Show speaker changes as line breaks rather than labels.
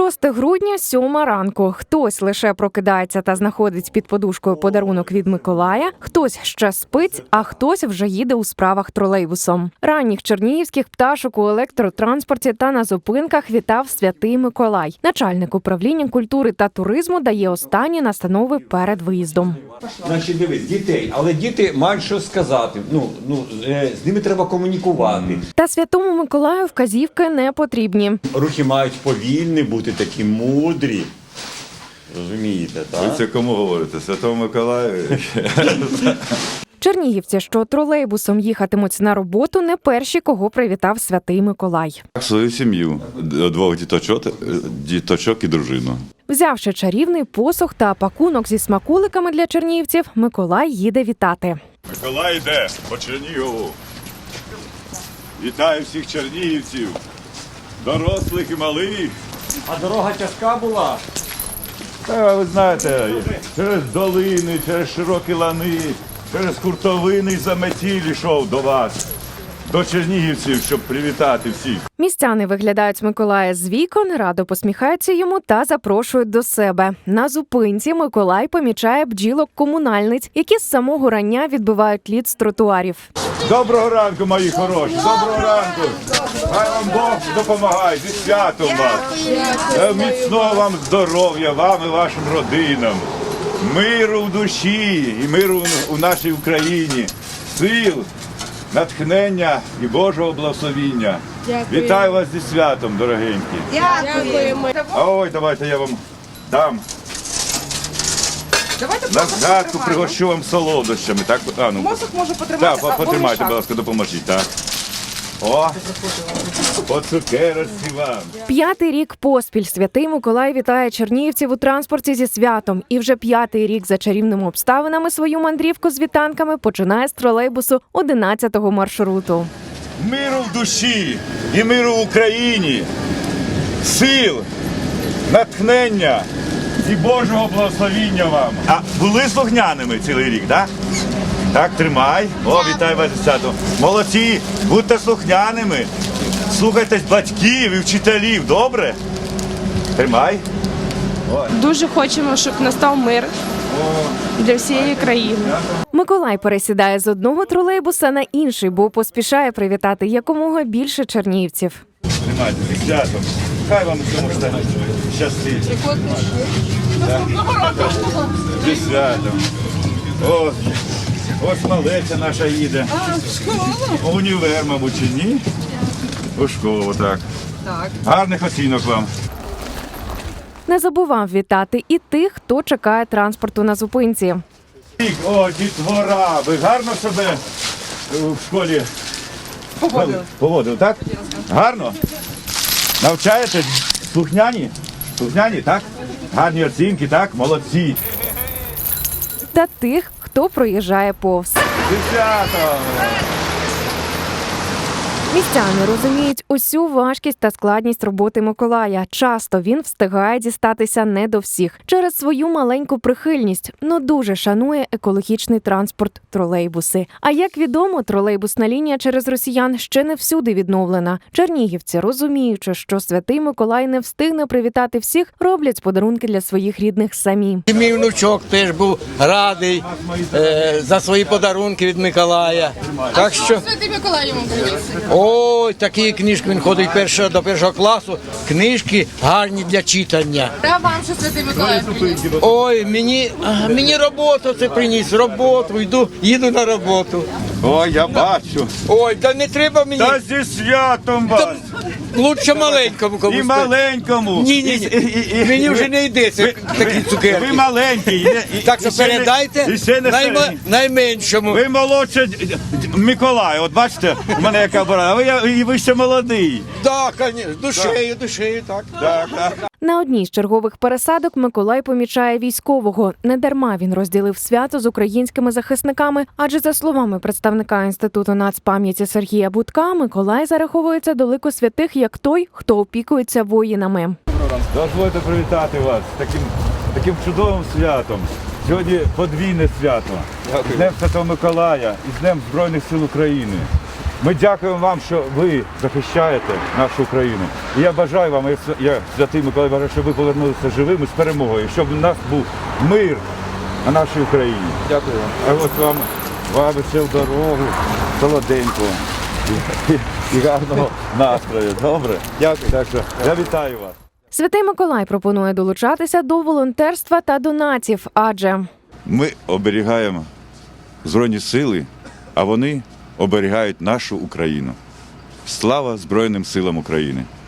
6 грудня, 7 ранку. Хтось лише прокидається та знаходить під подушкою подарунок від Миколая, хтось ще спить, а хтось вже їде у справах тролейбусом. Ранніх чернігівських пташок у електротранспорті та на зупинках вітав Святий Миколай. Начальник управління культури та туризму дає останні настанови перед виїздом.
Значить, дивись, дітей, але діти мають щось сказати. З ними треба комунікувати.
Та Святому Миколаю вказівки не потрібні.
Рухи мають повільні бути, такі мудрі. Розумієте, так?
Ви це кому говорите? Святому Миколаю?
Чернігівці, що тролейбусом їхатимуть на роботу, не перші, кого привітав Святий Миколай.
Свою сім'ю, 2 діточок і дружину.
Взявши чарівний посух та пакунок зі смаколиками для чернігівців, Миколай їде вітати.
Миколай йде по Чернігову. Вітаю всіх чернігівців, дорослих і малих.
А дорога тяжка була?
Та, ви знаєте, через долини, через широкі лани, через хуртовини і заметіль йшов до вас, до чернігівців, щоб привітати всіх.
Містяни виглядають Миколая з вікон, радо посміхаються йому та запрошують до себе. На зупинці Миколай помічає бджілок-комунальниць, які з самого рання відбивають лід з тротуарів.
Доброго ранку, мої хороші, доброго ранку. Хай вам Бог допомагає, зі святом вас. Міцного вам здоров'я, вам і вашим родинам. Миру в душі і миру у нашій Україні. Сил, натхнення і Божого благословіння.
Дякую.
Вітаю вас зі святом, дорогенькі.
Дякуємо.
А ой, давайте я вам дам. На згадку пригощу вам солодощами. Так,
Мозок може потримати,
так, потримайте, будь ласка, допоможіть. Так. О, по цукерочці вам.
5-й рік поспіль Святий Миколай вітає чернігівців у транспорті зі святом. І вже 5-й рік за чарівними обставинами свою мандрівку з вітанками починає з тролейбусу 11-го маршруту.
Миру в душі і миру в Україні, сил, натхнення і Божого благословіння вам. А були слухняними цілий рік, так? Так, тримай. О, вітаю вас зі святом. Молодці, будьте слухняними. Слухайтесь батьків і вчителів, добре? Тримай.
Дуже хочемо, щоб настав мир для всієї країни.
Миколай пересідає з одного тролейбуса на інший, бо поспішає привітати якомога більше чернігівців.
Тримайте, зі святом. Хай вам цьому щастить. Зі святом. Ось малеця наша їде. У універ, мабуть, чи ні? У школу, так. Гарних оцінок вам.
Не забував вітати і тих, хто чекає транспорту на зупинці.
О, дітвора, ви гарно себе в школі поводили, так? Гарно? Навчаєте? Слухняні? Слухняні, так? Гарні оцінки, так? Молодці.
Та тих, хто проїжджає повз.
Дівчата!
Містяни розуміють усю важкість та складність роботи Миколая. Часто він встигає дістатися не до всіх через свою маленьку прихильність, но дуже шанує екологічний транспорт – тролейбуси. А як відомо, тролейбусна лінія через росіян ще не всюди відновлена. Чернігівці, розуміючи, що Святий Миколай не встигне привітати всіх, роблять подарунки для своїх рідних самі.
І мій внучок теж був радий за свої подарунки від Миколая. Так що...
Святий Миколай йому приніс.
Ой, такі книжки, він ходить до першого класу, книжки гарні для читання.
А вам що Святий Миколай приніс?
Ой, мені роботу це приніс, роботу, їду на роботу.
Ой, я бачу.
Ой, та не треба мені,
Та зі святом вас!
лучше маленькому комусь.
І маленькому.
Ні, мені вже не йдеться такі цукерки.
Ви маленький.
Так що передайте найменшому.
Ви молодше Миколай, от бачите, у мене яка борода, ви ще молодий.
Так, звісно, душею, так.
Так.
На одній з чергових пересадок Миколай помічає військового. Недарма він розділив свято з українськими захисниками, адже за словами представника Інституту нацпам'яті Сергія Будка, Миколай зараховується до лику святих як той, хто опікується воїнами.
Дозвольте привітати вас з таким чудовим святом. Сьогодні подвійне свято. З Днем Святого Миколая і з Днем Збройних сил України. Ми дякуємо вам, що ви захищаєте нашу Україну. І я бажаю вам, я Святий Миколай бажаю, щоб ви повернулися живими з перемогою, щоб у нас був мир на нашій Україні. Дякую вам. А от вам ще в дорогу, солоденького і гарного настрою. Добре? Дякую. Так що я вітаю вас.
Святий Миколай пропонує долучатися до волонтерства та донатів, адже
Ми оберігаємо Збройні сили, а вони оберігають нашу Україну. Слава Збройним силам України!